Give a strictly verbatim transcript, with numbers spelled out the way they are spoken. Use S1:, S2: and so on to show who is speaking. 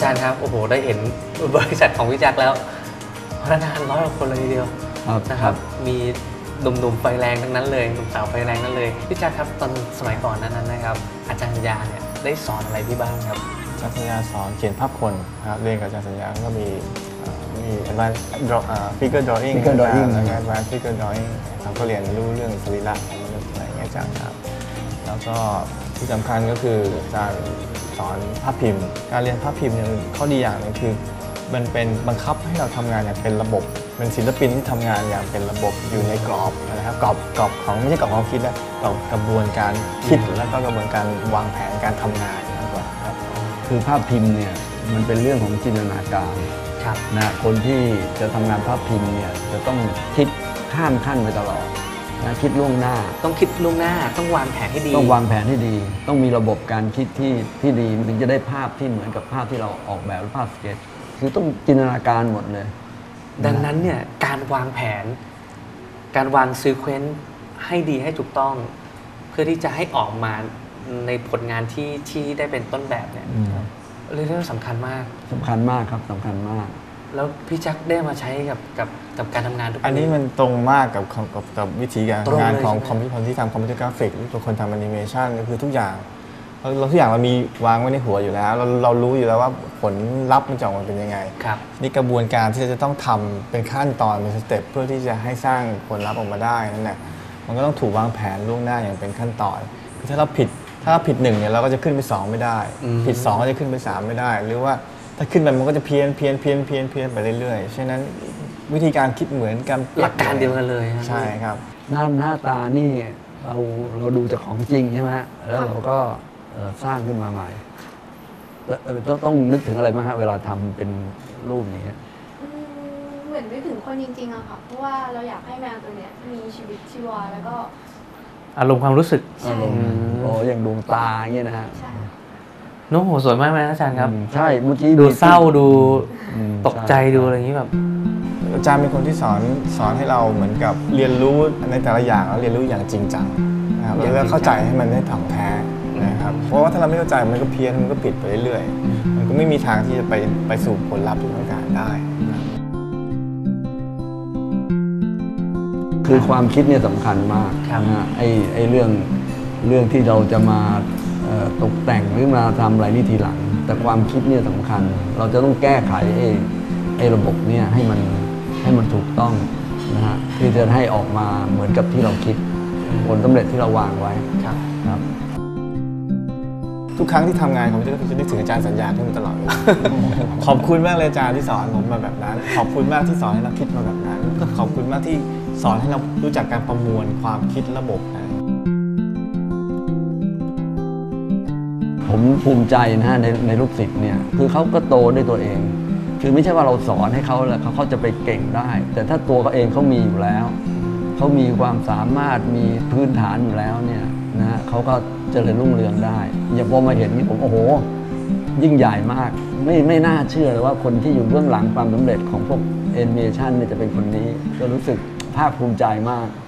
S1: จารย์ครับโอ้โหได้เห็นบริษัทของพี่แจ็คแล้วพนักงานร้อยกว่าคนเลยทีเดียวนะครับมีหนุ่มๆไฟแรงทั้งนั้นเลยหนุ่มสาวไฟแรงทั้งนั้นเลยพี่แจ็คครับตอนสมัยก่อนนั้นนะครับอาจารย์สัญญาเนี่ยได้สอนอะไรพี่บ้างครับ
S2: อาจารย์สัญญาสอนเขียนภาพคนครับเรียนกับอาจารย์สัญญาก็มีมี advanced figure drawing แล้วก็ advanced figure drawing เราก็เรียนรู้เรื่องสรีระของมนุษย์อะไรอย่างเงี้ยอาจารย์ครับแล้วก็ที่สำคัญก็คืออาจารย์สอนภาพพิมพ์การเรียนภาพพิมพ์เนี่ยข้อดีอย่างนึงคือมันเป็นบังคับให้เราทำงานอย่างเป็นระบบเป็นศิลปินที่ทำงานอย่างเป็นระบบอยู่ในกรอบนะครับกรอบกรอบของไม่ใช่กรอบความคิดนะกรอบกระบวนการคิดแล้วก็กระบวนการวางแผนการทำงานมากกว่าครับ
S3: คือภาพพิมพ์เนี่ยมันเป็นเรื่องของจินตนาการนะคนที่จะทำงานภาพพิมพ์เนี่ยจะต้องคิดข้ามขั้นไปตลอดนะคิดล่วงหน้า
S1: ต้องคิดล่วงหน้าต้องวางแผนให้ดี
S3: ต้องวางแผนให้ดีต้องมีระบบการคิดที่ที่ดีถึงจะได้ภาพที่เหมือนกับภาพที่เราออกแบบหรือภาพสเก็ตคือต้องจินตนาการหมดเลย
S1: ดังนั้นเนี่ยการวางแผนการวางซีเควนซ์ให้ดีให้ถูกต้องเพื่อที่จะให้ออกมาในผลงานที่ที่ได้เป็นต้นแบบเนี่ยเรื่องสำคัญมาก
S3: สำคัญมากครับสำคัญมาก
S1: แล้วพี่แจ็คได้มาใช้กับกับกับการทำงานทุก
S2: อันนี้มันตรงมากกับกับกับวิธีการงานของคอมพิวเตอร์ที่ทำคอมพิวเตอร์กราฟิกหรือคนทำแอนิเมชันก็คือทุกอย่างเราทุกอย่างเรามีวางไว้ในหัวอยู่แล้วเราเรารู้อยู่แล้วว่าผลลัพธ์มันจะออกมาเป็นยังไงนี่กระบวนการที่จะต้องทำเป็นขั้นตอนเป็นสเต็ปเพื่อที่จะให้สร้างผลลัพธ์ออกมาได้นั่นแหละมันก็ต้องถูกวางแผนล่วงหน้าอย่างเป็นขั้นตอนถ้าเราผิดถ้าเราผิดหนึ่งเนี่ยเราก็จะขึ้นไปสองไม่ได้ผิดสองก็จะขึ้นไปสามไม่ได้หรือว่าถ้าขึ้นไปมันก็จะเพี้ยนเพี้ยนเพี้ยนเพี้ยนเพี้ยนไปเรื่อยๆฉะนั้นวิธีการคิดเหมือนกัน
S1: หลักการเดียวกันเลย
S2: ใช่ครับ
S3: หน้าหน้าตานี่เราเราดูจากของจริงใช่ไหมแล้วเราก็สร้างขึ้นมาใหม่ต้องต้องนึกถึงอะไรบ้างฮะเวลาทำเป็นรูปนี้
S4: เหมือนนึกถึงคนจริงๆอะค่ะเพราะว่าเราอยากให้แมวตัวเนี้ยมีชีวิตชีวาแล้วก็
S1: อารมณ์ความรู้สึก
S3: อารมณ์โอ้อย่างดวงตาอย่างเงี้ยนะฮะ
S1: โน้โหสวยมากไหมอาจารย์ครับ
S3: ใช่เมื่อกี้
S1: ดูเศร้าดูตกใจดูอะไรอย่างนี้แบบ
S2: อาจารย์เป็นคนที่สอนสอนให้เราเหมือนกับเรียนรู้ในแต่ละอย่างแล้วเรียนรู้อย่างจริงจังนะครับแล้วก็เข้าใจให้มันได้ถ่องแท้นะครับเพราะว่าถ้าเราไม่เข้าใจมันก็เพี้ยนมันก็ผิดไปเรื่อยๆมันก็ไม่มีทางที่จะไปไปสู่ผลลัพธ์ที่ต้องการได้
S3: คือความคิดเนี่ยสำคัญมากนะไอ้ไอ้เรื่องเรื่องที่เราจะมาตกแต่งหรือมาทำอะไรนี่ทีหลังแต่ความคิดเนี่ยสำคัญเราจะต้องแก้ไขไอ้ไอ้ระบบเนี่ยให้มันให้มันถูกต้องนะฮะที่จะให้ออกมาเหมือนกับที่เราคิดผลสำเร็จที่เราวางไว้
S1: ครับ
S3: ครับ
S2: ทุกครั้งที่ทำงานผมจะนึกถึงอาจารย์สัญญาขึ้นมาตลอดขอบคุณมากเลยอาจารย์ที่สอนผมมาแบบนั้นขอบคุณมากที่สอนให้เราคิดมาแบบนั้นขอบคุณมากที่สอนให้เรารู้จักการประมวลความคิดระบบนะ
S3: ผมภูมิใจนะฮะในในลูกศิษย์เนี่ยคือเขาก็โตด้วยตัวเองคือไม่ใช่ว่าเราสอนให้เขาแล้วเขาจะไปเก่งได้แต่ถ้าตัวเขาเองเขามีอยู่แล้วเขามีความสามารถมีพื้นฐานอยู่แล้วเนี่ยนะฮะเขาก็เจริญรุ่งเรืองได้อย่างพอมาเห็นนี่ผมโอ้โหยิ่งใหญ่มากไม่ไม่น่าเชื่อเลยว่าคนที่อยู่เบื้องหลังความสำเร็จของพวกแอนิเมชันเนี่ยจะเป็นคนนี้ก็รู้สึกภาคภูมิใจมาก